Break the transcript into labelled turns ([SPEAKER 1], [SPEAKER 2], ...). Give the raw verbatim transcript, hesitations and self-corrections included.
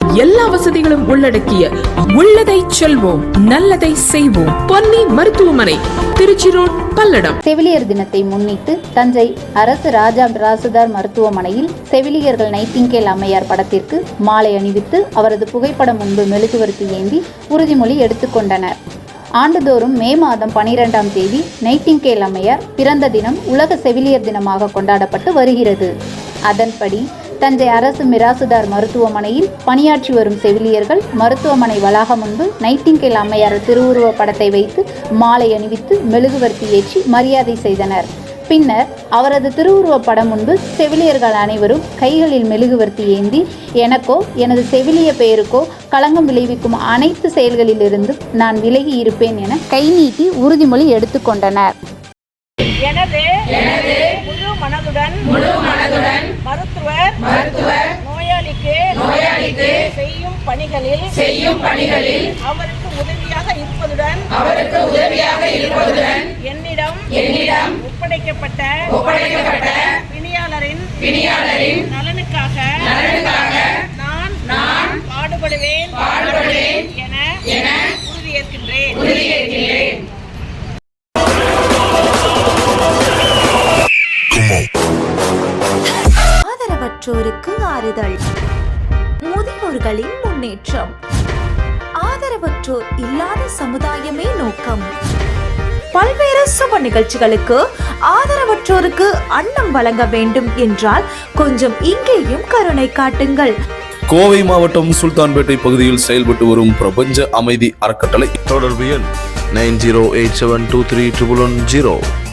[SPEAKER 1] எல்லா வசதிகளும் உள்ளடக்கிய உள்ளதை செல்வோம் நல்லதை செய்வோம் பொன்னி மருத்துவமனை, திருச்சி ரோட், பல்லடம்.
[SPEAKER 2] செவிலியர் தினத்தை முன்னிட்டு தஞ்சை அரசு ராஜா ராசுதார் மருத்துவமனையில் செவிலியர்கள் நைட்டிங்கேல் அம்மையார் படத்திற்கு மாலை அணிவித்து அவரது புகைப்படம் முன்பு மெழுகுவர்த்தி ஏந்தி உறுதிமொழி எடுத்துக்கொண்டனர். ஆண்டுதோறும் மே மாதம் பனிரெண்டாம் தேதி நைட்டிங்கேல் அம்மையார் பிறந்த தினம் உலக செவிலியர் தினமாக கொண்டாடப்பட்டு வருகிறது. அதன்படி தஞ்சை அரசு மிராசுதார் மருத்துவமனையில் பணியாற்றி வரும் செவிலியர்கள் மருத்துவமனை வளாகம் முன்பு நைட்டிங்கேல் அம்மையார் திருவுருவ படத்தை வைத்து மாலை அணிவித்து மெழுகுவர்த்தி ஏற்றி மரியாதை செய்தனர். பின்னர் அவரது திருவுருவ படம் முன்பு செவிலியர்கள் அனைவரும் கைகளில் மெழுகுவர்த்தி ஏந்தி எனக்கோ எனது செவிலிய பெயருக்கோ களங்கம் விளைவிக்கும் அனைத்து செயல்களிலிருந்தும் நான் விலகி இருப்பேன் என கை நீட்டி உறுதிமொழி எடுத்துக்கொண்டனர்.
[SPEAKER 3] எனது முழு மனதுடன் முழு மனதுடன் மருத்துவர் மருத்துவர் நோயாளிக்கு நோயாளிக்கு செய்யும் பணிகளில் செய்யும் பணிகளில் அவருக்கு உதவியாக இருப்பதுடன் அவருக்கு உதவியாக இருப்பதுடன் என்னிடம் என்னிடம் ஒப்படைக்கப்பட்ட ஒப்படைக்கப்பட்ட பிணியாளரின் பிணியாளரின் நலனுக்காக நலனுக்காக நான் நான் பாடுபடுவேன் பாடுபடுவேன் என என உறுதியேற்கின்றேன் உறுதியேற்கின்றேன்.
[SPEAKER 4] ஆதரவற்றோருக்கு ஆறுதல், முதியோர்களின் முன்னேற்றம், ஆதரவற்றோர் இல்லாத சமுதாயமே நோக்கம். பல்வேறு சுப நிகழ்ச்சிகளுக்கு ஆதரவற்றோருக்கு அன்னம் வழங்க வேண்டும் என்றால் கொஞ்சம் இங்கேயும் கருணை காட்டுங்கள்.
[SPEAKER 5] கோவை மாவட்டம் சுல்தான்பேட்டை பகுதியில் செயல்பட்டு வரும் பிரபஞ்ச அமைதி அறக்கட்டளை.
[SPEAKER 6] தொடர்பு எண் nine zero eight seven two three triple one zero.